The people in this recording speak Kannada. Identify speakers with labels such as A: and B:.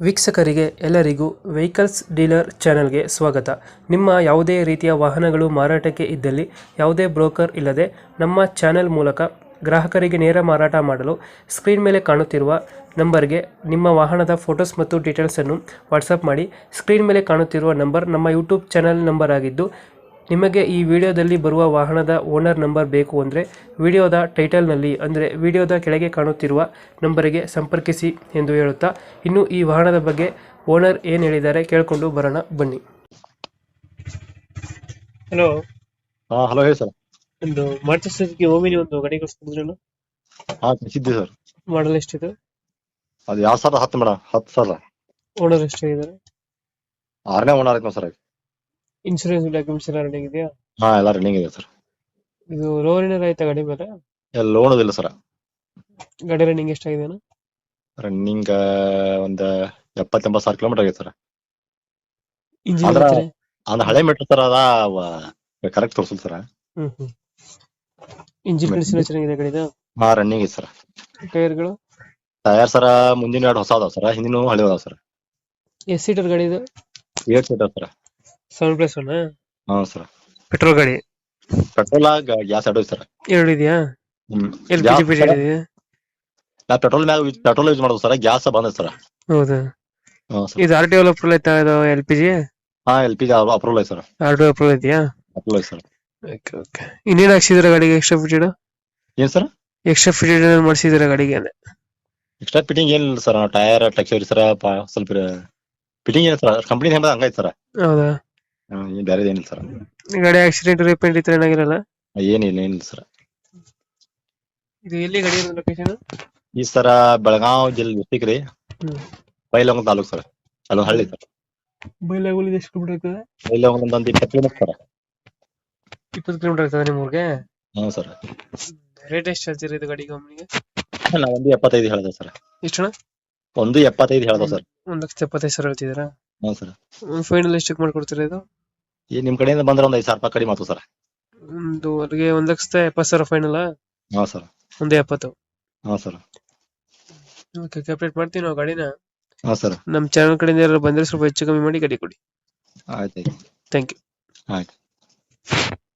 A: ವೀಕ್ಷಕರಿಗೆ ಎಲ್ಲರಿಗೂ ವೆಹಿಕಲ್ಸ್ ಡೀಲರ್ ಚಾನೆಲ್ಗೆ ಸ್ವಾಗತ. ನಿಮ್ಮ ಯಾವುದೇ ರೀತಿಯ ವಾಹನಗಳು ಮಾರಾಟಕ್ಕೆ ಇದ್ದಲ್ಲಿ ಯಾವುದೇ ಬ್ರೋಕರ್ ಇಲ್ಲದೆ ನಮ್ಮ ಚಾನೆಲ್ ಮೂಲಕ ಗ್ರಾಹಕರಿಗೆ ನೇರ ಮಾರಾಟ ಮಾಡಲು ಸ್ಕ್ರೀನ್ ಮೇಲೆ ಕಾಣುತ್ತಿರುವ ನಂಬರ್ಗೆ ನಿಮ್ಮ ವಾಹನದ ಫೋಟೋಸ್ ಮತ್ತು ಡೀಟೇಲ್ಸನ್ನು ವಾಟ್ಸಪ್ ಮಾಡಿ. ಸ್ಕ್ರೀನ್ ಮೇಲೆ ಕಾಣುತ್ತಿರುವ ನಂಬರ್ ನಮ್ಮ ಯೂಟ್ಯೂಬ್ ಚಾನೆಲ್ ನಂಬರ್ ಆಗಿದ್ದು, ನಿಮಗೆ ಈ ವಿಡಿಯೋದಲ್ಲಿ ಬರುವ ವಾಹನದ ಓನರ್ ನಂಬರ್ ಬೇಕು ಅಂದರೆ ವಿಡಿಯೋದ ಟೈಟಲ್ನಲ್ಲಿ ಅಂದರೆ ವಿಡಿಯೋದ ಕೆಳಗೆ ಕಾಣುತ್ತಿರುವ ನಂಬರಿಗೆ ಸಂಪರ್ಕಿಸಿ ಎಂದು ಹೇಳುತ್ತಾ, ಇನ್ನು ಈ ವಾಹನದ ಬಗ್ಗೆ ಓನರ್ ಏನು ಹೇಳಿದ್ದಾರೆ ಕೇಳಿಕೊಂಡು ಬರೋಣ ಬನ್ನಿ. ಹಲೋ.
B: ಹಲೋ ಹೇಳಿ ಸರ್.
A: ಒಂದು ಮಾರುತಿ ಸುಜುಕಿ ಓಮಿನಿ ಒಂದು ಗಾಡಿ ಕಳಿಸ್ಕೊಡಿದ್ರಲ್ಲ,
B: ಕಳಿಸಿದ್ದೆ ಸರ್.
A: ಮಾಡಲ್ ಎಷ್ಟಿದೆ?
B: ಅದು 2010 ಮೇಡಮ್. 10,000.
A: ಓನರ್ ಎಷ್ಟಾಗಿದ್ದಾರೆ?
B: 6ನೇ ಓನರ್ ಆಯ್ತು ಸರ್.
A: ಇನ್ಶೂರೆನ್ಸ್ ಡಾಕ್ಯುಮೆಂಟ್ಸ್ ಎಲ್ಲ ರನ್ನಿಂಗ್ ಇದೆಯಾ?
B: ಎಲ್ಲ ರನ್ನಿಂಗ್ ಇದೆ ಸರ್.
A: ಇದು ಲೋನ್ ಏನಾರ ಆಯ್ತಾ ಗಾಡಿ ಮೇಲೆ?
B: ಲೋನ್ ಇಲ್ಲ ಸರ್.
A: ಗಾಡಿ ರನ್ನಿಂಗ್ ಎಷ್ಟಾಗಿದೆ?
B: ರನ್ನಿಂಗ್ ಒಂದು 70-80 ಸಾವಿರ ಕಿಲೋಮೀಟರ್ ಆಗಿದೆ ಸರ್.
A: ಇಂಜಿನ್
B: ಅಂದ್ರ ಅಂದ್ ಹಳೆ ಮೀಟರ್ ಸರ್. ಅದ ಕರೆಕ್ಟ್ ತೋರ್ಸಲ್ ಸರ್.
A: ಇಂಜಿನ್ ಕಂಡೀಷನ್ ಚೆನ್ನಾಗಿದೆ ಗಾಡಿದು?
B: ರನ್ನಿಂಗ್ ಇದೆ ಸರ್.
A: ಟೈರ್ಗಳು?
B: ಟೈರ್ ಸರ್ ಮುಂದಿನ 2 ಹೊಸ ಅದಾವ ಸರ್, ಹಿಂದಿನ ಹಳೆ ಅದಾವ ಸರ್.
A: ಎಷ್ಟು ಸೀಟರ್ ಗಾಡಿ ಇದು?
B: 8 ಸೀಟರ್ ಸರ್.
A: 7+1?
B: ಸರ್.
A: ಪೆಟ್ರೋಲ್ ಗಾಡಿ?
B: ಪೆಟ್ರೋಲ್ ಗ್ಯಾಸ್ ಎರಡು ಸರ್.
A: ಎರಡು ಇದೆಯಾ? LPG ಇದೆಯಾ?
B: ನಾ ಪೆಟ್ರೋಲ್ ಯೂಸ್ ಮಾಡೋದು ಸರ್. ಗ್ಯಾಸ್ ಬಂದ ಸರ್.
A: ಹೌದಾ?
B: ಸರ್.
A: ಇದು RTO ಅಪ್ರೂವಲ್ ಆಯ್ತಾ? ಇದು LPG?
B: LPG ಅಪ್ರೂವಲ್ ಐತೆ ಸರ್.
A: RTO ಅಪ್ರೂವಲ್ ಇದೆಯಾ?
B: ಅಪ್ರೂವಲ್ ಐತೆ ಸರ್.
A: ಓಕೆ. ಇನ್ನೇನು ಹಾಕ್ಸಿದ್ರೆ ಗಾಡಿಗೆ ಎಕ್ಸ್ಟ್ರಾ ಫಿಟೆಡ್?
B: ಏನ್ ಸರ್?
A: ಎಕ್ಸ್ಟ್ರಾ ಫಿಟೆಡ್ ಮಾಡಿಸಿದ್ರೆ ಗಾಡಿಗೆ?
B: ಎಕ್ಸ್ಟ್ರಾ ಫಿಟ್ಟಿಂಗ್ ಏನಿಲ್ಲ ಸರ್. ಟೈರ್ ಟೆಕ್ಸ್ಚರ್ ಸರ್ ಸ್ವಲ್ಪ ಫಿಟ್ಟಿಂಗ್ ಏನಿಲ್ಲ ಸರ್. ಕಂಪ್ನಿ ಹೆಂಬ ಹಂಗೈತೆ ಸರ್.
A: ಹೌದಾ?
B: ಏನ್ ಬೇರೆ ಏನಿಲ್ಲ ಸರ್.
A: ಗಾಡಿ ಆಕ್ಸಿಡೆಂಟ್ ರಿಪೇಂಟ್ ಇತ್ತು ಏನಾಗಿರಲ್ಲ?
B: ಏನಿಲ್ಲ ಸರ್.
A: ಇದು ಎಲ್ಲಿ ಗಾಡಿ ಲೊಕೇಶನ್?
B: ಈ ಸರ ಬೆಳಗಾವ್ ಜಿಲ್ಲೆ ಡಿಸ್ಟಿಕ್ ರೀ, ಬೈಲಹೊಂಗಲ ತಾಲೂಕ್ ಸರ್. ಅಲ್ಲೊಂದು ಹಳ್ಳಿ ಸರ್.
A: ಬೈಲಹೊಂಗಲ ಎಷ್ಟು ಕಿಲೋಮೀಟರ್ ಆಗ್ತದೆ?
B: ಬೈಲಹೊಂಗಲ ಒಂದು 20 ಕಿಲೋಮೀಟರ್ ಸರ್.
A: 20 ಕಿಲೋಮೀಟರ್ ಆಗ್ತದೆ ನಿಮ್ಮ ಊರಿಗೆ?
B: ಸರ್.
A: ರೇಟ್ ಎಷ್ಟು ಹೇಳ್ತೀರಿ ಇದು ಗಾಡಿಗೆ ಒಮ್ಮೆ?
B: ನಾ 1.75 ಹೇಳ್ದೆ ಸರ್.
A: ಎಷ್ಟು?
B: 1.75 ಹೇಳ್ದೆ ಸರ್.
A: 1,75,000 ಹೇಳ್ತಿದ್ದೀರಾ?
B: ಸರ್.
A: ಫೈನಲ್ ಎಷ್ಟಕ್ಕೆ ಮಾಡ್ಕೊಡ್ತೀರಾ ಇದು?
B: ನಿಮ್ ಕಡೆಯಿಂದ ಬಂದ್ರೆ ಒಂದು 5,000 ರೂಪಾಯಿ ಕಡಿಮೆ ಆಯ್ತು ಸರ್.
A: ಅಲ್ಲಿಗೆ 1,70,000 final?
B: Sir.
A: 1.70.
B: Sir.
A: Okay, complete ಮಾಡ್ತೀವಿ ನಾವು ಗಾಡಿನ.
B: ಸರ್.
A: ನಮ್ಮ ಚಾನಲ್ ಕಡೆಯಿಂದ ಯಾರು ಬಂದ್ರೆ ಸ್ವಲ್ಪ ಹೆಚ್ಚು ಕಮ್ಮಿ ಮಾಡಿ ಗಾಡಿ ಕೊಡಿ.
B: ಆಯ್ತು.
A: Thank you.
B: ಆಯ್ತು.